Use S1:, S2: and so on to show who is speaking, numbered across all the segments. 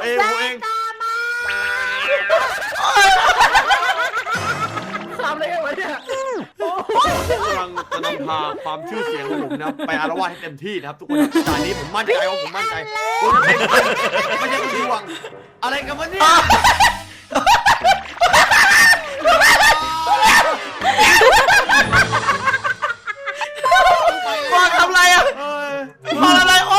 S1: ผมเอง
S2: ทำอะไรกันวะเนี่ย
S1: กำลังจะนำพาความชื่อเสียงของผมนะไปอาละวาดให้เต็มที่นะครับทุกคนตอนนี้ผมมั่นใจว่าผมมั่นใจคุณไม่ใช่คุณดวงอะไรกันวะเนี่ย
S3: บอลทำอะไรอ่ะบอลอะไรโอ้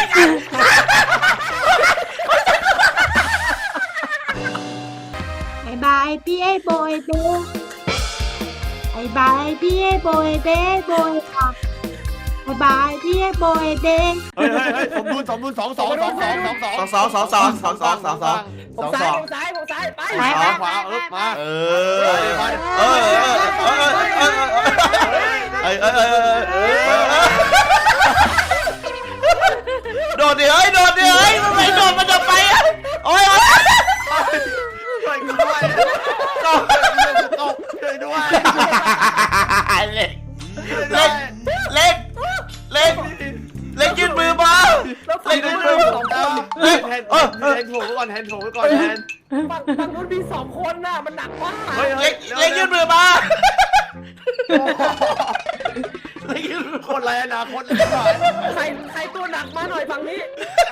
S4: บายบายพี่ไอ้โบยเด้บายบายพี่ไอ้โบยเด้โบยค่ะบายบายพี่ไอ้โบยเด้
S1: เฮ้ยสมดุล2
S3: ผมซ้ายไป
S1: ขวามา
S3: โดดดิเฮ้ยโดดดิเฮ้ยมันไม่โดดมันจะไปอ่ะโอ้ย
S1: ช่วยด้วยช่วยด้วย
S3: เล็กยืนมือมาเล็กยืนมือ
S1: แทนโถก่อนแทน
S2: ฝั่งนู้นมี2 คนน่ะมันหนักมาก
S3: เล็กยืนมือมา
S1: คนไรนะคน
S2: ใครตัวหนักมาหน่อยฝั่งนี้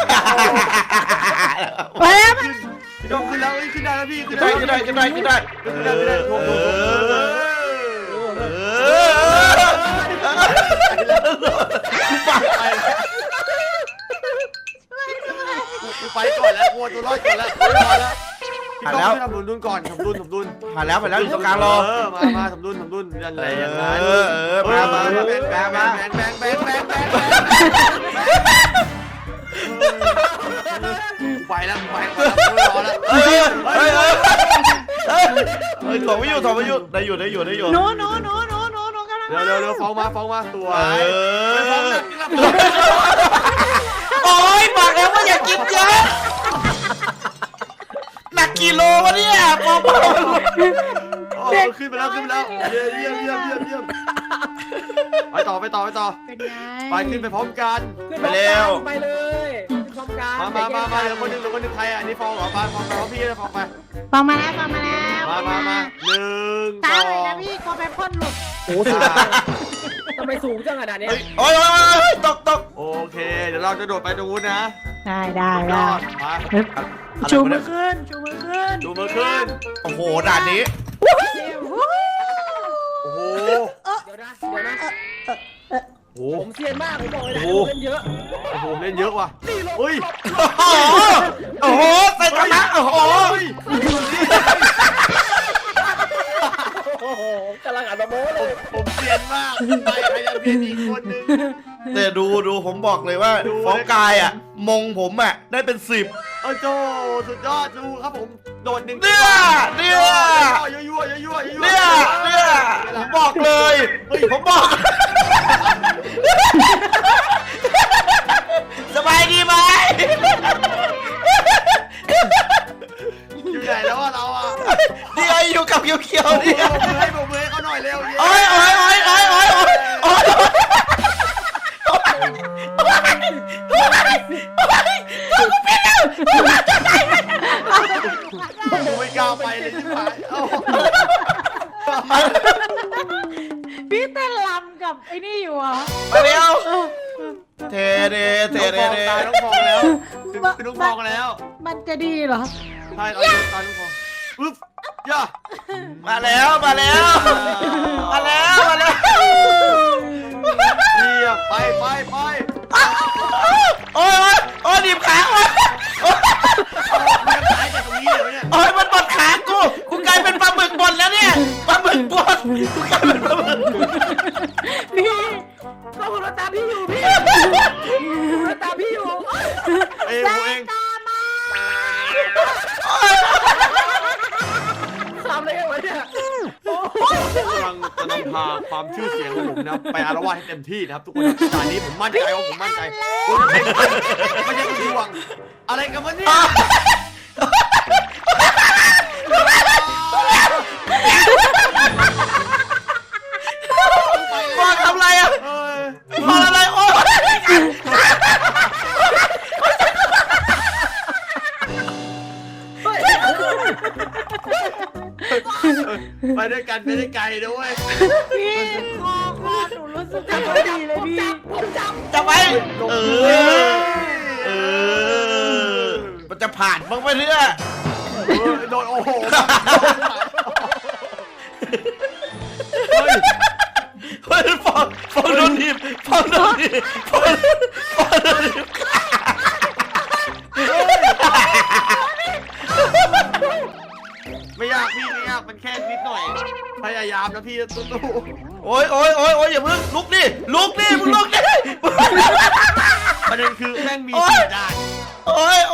S4: ไปแล้ว
S1: ยกขึ้นแล้วขึ้นได้แล้วพี่ขึ้นได้
S3: ขึ้น
S1: ไปก่อนแล้วกลัวตัวรอดก่อนแล้วผ่านแล้วทำดุลก่อนทำดุล
S3: ผ่านแล้วอยู่ตรงกลางรอ
S1: มาทำดุลอะไรอย่างนั้นมาแบงไปแล้วรอแล้ว
S3: ถอดไม่อยู่ได้อยู่
S4: โน้กำลัง
S1: เร็วฟ้องมาตัว
S3: โอ้ยบอกแล้วว่าอย่ากินเยอะหนักกิโลวะเนี่ยปอ
S1: ขึ้นไปแล้วเยี่ยมไปต่อ
S4: เป็นไง
S1: ไปขึ้นไปพร้อมกัน
S3: ไปเร็ว
S2: ไปเลยพร้อมกัน
S1: มาเดี๋ยวคนนึงใครอ่ะนี่ฟองเหรอฟองพี่ฟองไป
S4: ฟังมาแล้ว
S1: มา1
S4: ตายเลยนะพี่ก็ไปพ่นหลุด
S2: โอ้สูงทำไมสูงจังขนาดนี้
S3: โอ้ยตก
S1: โอเคเดี๋ยวเราจะโดดไปตรงนู้นนะ
S4: ได้
S1: มา
S4: ชูมือขึ้น
S3: โอ้โหด่านนี้
S1: โอ้โห
S2: เดี๋ยวนะผมเซียนมากผมบอกเลยนะเล่นเยอะ
S1: เล่นเยอะว่ะเฮ้ย
S3: โอ้โหใส่ธรรมะโอ้โห
S2: กำลังอ่านโม้เลย
S1: ผมเซียนมากไปยังเพียนอีกคนนึง
S3: แต่ดูผมบอกเลยว่าฟ้องกายอ่ะมงผมอ่ะได้เป็น10
S1: โจสุดยอดดูครับผมโดด1
S3: เนี่ยผมบอกเลยผมบอกสบายดีไหม
S1: อยู่ไหนแล้วเราอ่ะ
S3: นี่ไออยู่กับเขียวนี่
S1: ให้ผมเลยเขาหน่อยเร็ว
S3: โอ้ย
S1: ไม่กล้าไปเลยที่ผ่าน
S4: พี่เต้นลำกับไอ้นี่อยู่อ่ะ
S3: ไปเร็วเท
S1: ตายน้องฟองแล้วคือน้องฟองแล้ว
S4: มันจะดีเหรอ
S1: ใช่ตายน้องฟองปึ๊บย่า
S3: มาแล้ว
S1: เยี่ยมไป
S3: โอ้ยดิบขาโอ้ยมันบดขากูกลายเป็นปลาหมึกบดแล้วเนี่ยปลาหมึกบดกูกลายเป็นปลาหมึก
S2: พี่ก็หัวตาพี่อยู่หัวตาพี่อยู่
S1: เอง
S2: ทำอะไรกันวะเนี่ย
S1: กำลังจะนำพาความชื่อเสียงของผมนะไปอาละวาดให้เต็มที่นะครับทุกคนตอนนี้ผมมั่นใจว่าผมมั่นใจไม่ใช่คุณดวงอะไรกันวะเนี่ย
S3: บอลทำอะไรอ่ะบอลอะไรโอ้ย
S1: ไปด้วยกันไปได้ไกลนะเว้ย
S4: พี่คอหนูรู้สึกไม่ค่อยดีเลยพี่
S3: จับไว้มันจะผ่านบ้างไหมเนี่ย
S1: โดนโอ้โหเฮ้ย
S3: ฟองโดนหนีบฟองโดนหนีบฟองโดนหนีบ
S1: ไม่ยากพี่ไม่ยากมันแค่นิดหน่อยพยายามนะพี่ตู้
S3: โอ้ยอย่าเพิ่งลุกดิมึงลุกดิ
S1: ประเด็นคือแม่งมีสี่ด่าน
S3: โอ้ย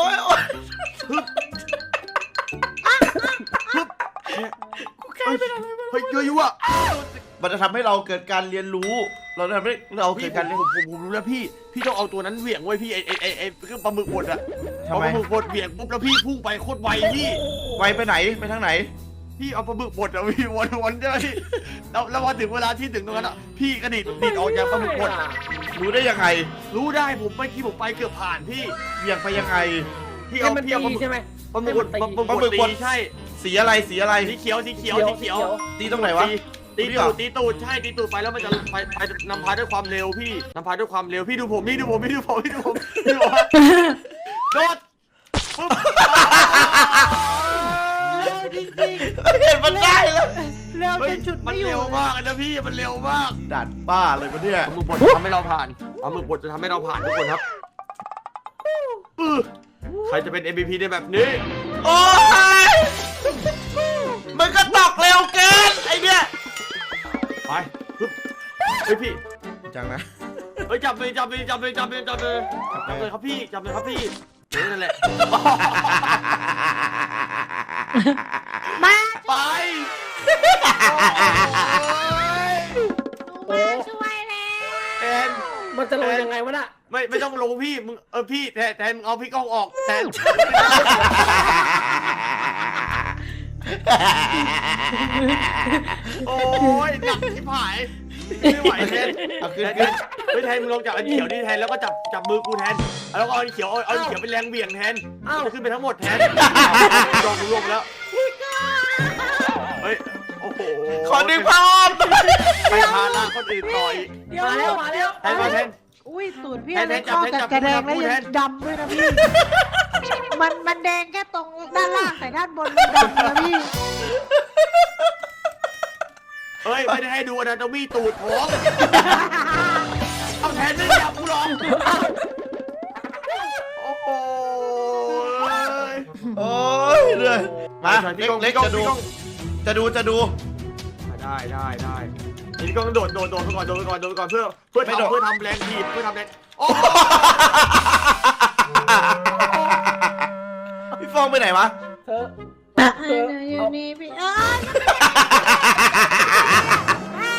S1: เฮ้ยยั่ว
S3: มันจะทำให้เราเกิดการเรียนรู้ เราจะทำให้เราเกิ
S1: พี่
S3: ดการเรียน
S1: ผมรู้แล้วพี่ต้องเอาตัวนั้นเหวี่ยงไว้พี่ไอ้เครื่องปลาหมึกบดอะ
S3: ทำ
S1: เอา
S3: ไม
S1: ปลาหมึกบดเหวี่ยงปุ๊บแล้วพี่พุ่งไปโคตรไวพี่
S3: ไวไปไหนไปทางไหน
S1: พี่เอาปลาหมึกบดอะพี่วนใช่ไหมพี่แล้วพอถึงเวลาที่ถึงตรงนั้นอะพี่กระดิดออกจากปลาหมึกบด
S3: รู้ได้ยังไง
S1: รู้ได้ผมเมื่อกี้ผมไปเกือบผ่านพี่
S3: เบี่ยงไปยังไง
S1: พี่
S2: ให้
S1: เอา
S2: มัน
S1: พี่เอาปลาห
S2: ตี
S1: มึก
S2: ใช่ไหม
S1: ปลาหมึกบด
S3: ปลาหมึกบด
S1: ตีใช่
S3: สีอะไรสีอะไร
S1: สีเขียว
S3: ตีตรงไหนวะ
S1: ตีตูดใช่ตีตูดไปแล้วมันจะไปนำพาด้วยความเร็วพี่นำพาด้วยความเร็วพี่ดูผมโดดปุ๊บ
S4: จริง
S3: เห็นมันได้แล้ว
S4: ๆเร็วจนจุด
S1: มัน
S4: ไม่อยู่
S1: เร็วมากนะพี่มันเร็วมาก
S3: ด่านป้าเลยปะเนี่ย
S1: ปลาหมึกบดทำให้เราผ่านปลาหมึกบดจะทำให้เราผ่านทุกคนครับใครจะเป็น MVP ในแบบนี้
S3: โอ้ยมันก็ตอกเร็วเกินไอเนี่ย
S1: ไปเฮ้ยพี่
S3: จังนะ
S1: เฮ้ยจับเลยครับพี่จับเลยครับพี่นั่นแหละ
S4: มา
S1: ไป
S4: มาช่วยแล้ว
S1: แทน
S2: มันจะลงยังไงวะน่ะ
S1: ไม่ต้องลงพี่มึงพี่แทนมึงเอาพี่ก้องออกแทนโอ้ยหนักที่ผายไม่ไหวแทน
S3: เอาขึ้น
S1: ไม่แทนมึงลงจากอันเขียวนี่แทนแล้วก็จับมือกูแทนแล้วก็เอาอันเขียวเป็นแรงเบี่ยงแทนจะขึ้นไปทั้งหมดแทนลงแล้วเฮ้ยโอ้โห
S3: ขอดึงผ้าอ้อม
S1: ไปพาล่าคนอื่นต่อย
S2: มาแล้ว
S1: แทนมาแทน
S4: อุ้ยตูดพี่
S1: แทน
S4: อะไร
S1: จับ
S4: เข้า
S1: แทนจั
S4: กับบ กระแดงแล้ว
S1: พูด
S4: ยั
S1: แท
S4: ง
S1: น
S4: ดำด้วยนะพี่ มันแดงแค่ตรงด้านล่างแต่ด้านบนมันดำนะพี่
S1: เฮ้ยไม่ได้ให้ดูอนาโตมี่ตูดผมเอาแทนไม่จับกูหรอกโอ้โห
S3: โอ้ยเลยมาเล็กจะดู
S1: ได้นี่ก็โดดไปก่อนเพื่อทำแรงถีบเพื่อทำแรงโอ้
S3: พี่ฟองไปไหนวะ
S2: เธอ
S4: อยู่นี่พี่ไม่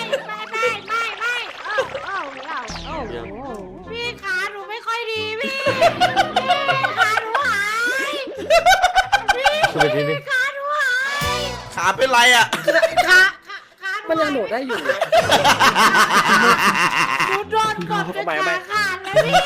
S4: พี่ขาหนูไม่ค่อยดีพี่ขาหนูหายพี่ขาหนูหาย
S3: ขาเป็นไรอ่ะ
S4: ขาห
S2: มันยังโดดได้อยู่
S4: หนูโดนกดจนขาขาดแล้วพี่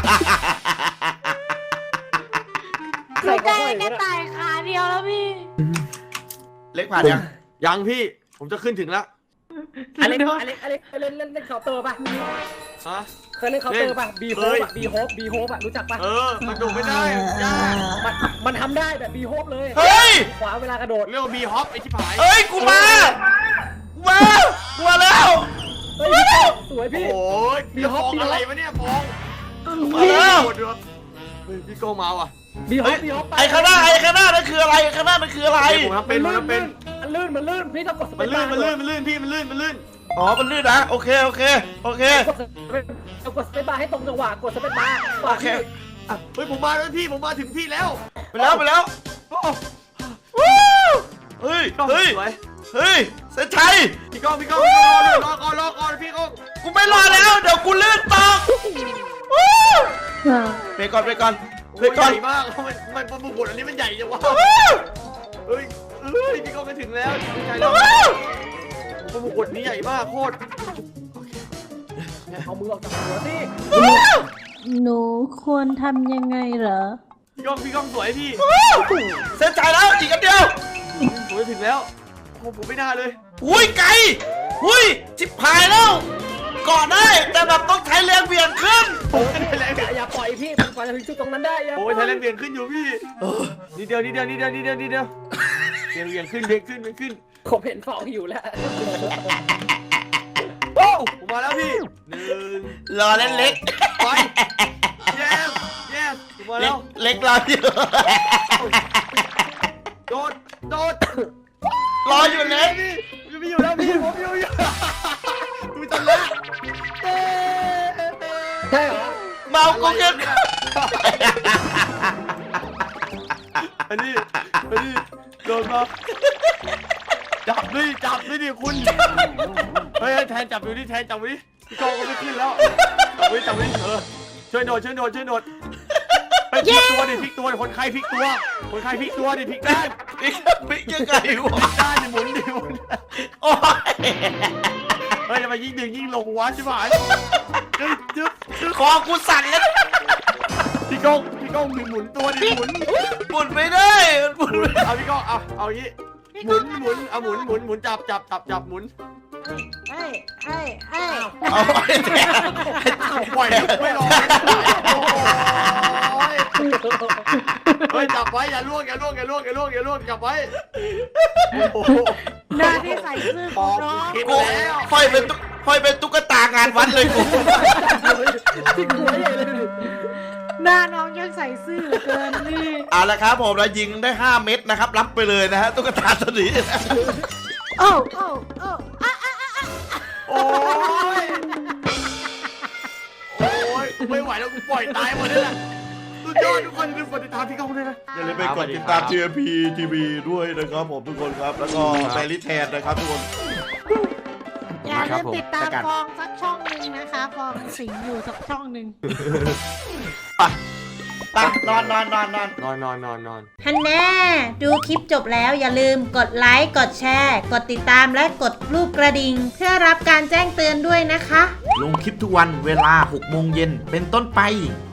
S4: หนูได้แค่ตายขาเดียวแล้วพี่
S3: เล็กผ่านยัง
S1: ยังพี่ผมจะขึ้นถึงแล้ว
S2: อเล็กเล่นเคาน์เตอร์ป่ะ
S1: ฮะ
S2: เคยเล่นเคาน์เตอร์ป่ะบีโฮปอ่ะรู้จักป่ะ
S1: มันโดดไม่ได้ยาก
S2: มันทำได้แบบบีโฮปเลย
S3: เฮ้ย
S2: ขวาเวลากระโดด
S1: เรียกว่าบีฮอปไอ้ชิบหาย
S3: เฮ้ยกูมาแล้ว
S2: เฮ้ยสวยพี่
S1: โอ้ยพี่ฟองอะไรวะเนี่ยฟอง
S3: มาแล้ว
S1: เฮ้ยพี่โก้มาว่ะ
S2: บีโฮ
S3: เฮ้ย
S2: ปไป
S3: ไอ้ข้างหน้านั่นคืออะไรข้างหน้านั่นคืออะไร
S1: ผมทำเป็น
S2: มันลื่นพี่ต้องกด
S1: มันลื่นพี่มันลื่น
S3: อ๋อมันลื่นนะโอเค
S2: กดสเปซบาร์ให้ตรงจังหวะกดสเปซบาร์
S3: โอเค
S1: เฮ้ยผมมาแล้วพี่ผมมาถึงพี่แล้ว
S3: ไปแล้ว
S1: โอ้
S3: เฮ้ย
S1: สวย
S3: เซนชัย
S1: พี่ก้องรอก่อนพี่ก้อง
S3: กูไม่รอแล้วเดี๋ยวกูลื่นตกไปก่อน
S1: ใหญ่มากมันปลาหมึกบดอันนี้มันใหญ่จังวะเฮ้ยพี่ก้องไปถึงแล้วดีใจแล้วปลาหมึกบดนี้ใหญ่มากโคตร
S2: เอามือออกจากหัวสิ
S4: หนูควรทำยังไงเหรอ
S1: พี่ก้องสวยพี่
S3: เส้นชัยแล้วอีกอันเดียว
S1: ผมจะถึงแล้วโอ้ผมไม่น่าเลย
S3: อุ้ยไกลอุ้ยจิบหายแล้วเกาะได้แต่แบบต้องใช้แรงเบี่ยงขึ้น
S1: โอ้ยไทยแลนด์
S2: อย่าปล่อยพี่มันกว่าจะถึงจุดตรงนั้นได้อย่า
S1: โอ้ยไทยแลนด์เบี่ยงขึ้นอยู่พี่นิดเดียวเบี่ยงขึ้น
S2: ผมเห็นฟองอยู่แล้ว
S1: โอ้ผมมาแล้วพี่หนึ่ง
S3: รอเล่นเล็ก
S1: ไปแย่ผมมา
S3: เล็
S1: แล้
S3: ก
S1: ว
S3: เล็กรออยู่
S1: โดด
S3: รออยู่เล็ก
S1: พี่ไม่อยู่แล้วพี่ผมอยู่ดูจันละ
S2: ใช่เหรอ
S3: เมากูเกิน
S1: อันนี้โดนมาจับด้วยดิคุณเฮ้ยแทนจับอยู่ดิแทนจับไว้ดิพี่กองก็ไม่ขึ้นแล้วจับไว้ช่วยโดดไปพลิกตัวดิคนไข้พลิกตัวดิพลิกด้าน
S3: ปิ๊กยังไงวะ
S1: พลิกด้านดิหมุน
S3: โอ้ย
S1: เฮ้ยจะมายิ่งดึงยิ่งลงวะใช่ไหมจึ๊บ
S3: คอกูสั่นแล้ว
S1: พี่กองหมุนตัวดิหมุน
S3: หมุนไม่ได้มันหมุนไม่ได้
S1: เอาพี่กองเอาอย่างงี้หมุนหมุนจับหมุน
S4: เอ้ย
S3: เอาไปแทน
S1: ปล่อยไม่รอเฮ้ยจับไว้อย่าล่วงจับไว้โอ้โห
S4: หน้าที่ใส่ซื่อของน้อง
S1: คิด
S3: กู
S1: แล้ว
S3: ค่อยเป็นตุ๊กตางานวัดเลยกู
S2: ที่หัวใหญ่เลย
S4: หน้าน้องยังใส่ซื่อเหลือเกินนี่
S3: เอาละครับผมเรายิงได้ 5 เม็ดนะครับรับไปเลยนะฮะตุ๊กตาตัวนี้
S4: โอ้
S1: โอ้ยไม่ไหวแล้วกูปล่อยตายหมดเลยนะสุดยอดทุกคนลืมกดติดตามพี่กองด้วยนะ
S3: อย่าลืมไปกดติดตาม TMP TV ด้วยนะครับผมทุกคนครับแล้วก็แบลลี่แทนนะครับทุกคน
S4: อย่าลืมติดตามฟองสักช่องหนึ่งนะคะฟองสิงอยู่สักช่องหนึ่ง
S3: ไปนอน
S4: ฮันแน่ดูคลิปจบแล้วอย่าลืมกดไลค์กดแชร์กดติดตามและกดรูปกระดิ่งเพื่อรับการแจ้งเตือนด้วยนะคะ
S3: ลงคลิปทุกวันเวลา 6 โมงเย็นเป็นต้นไป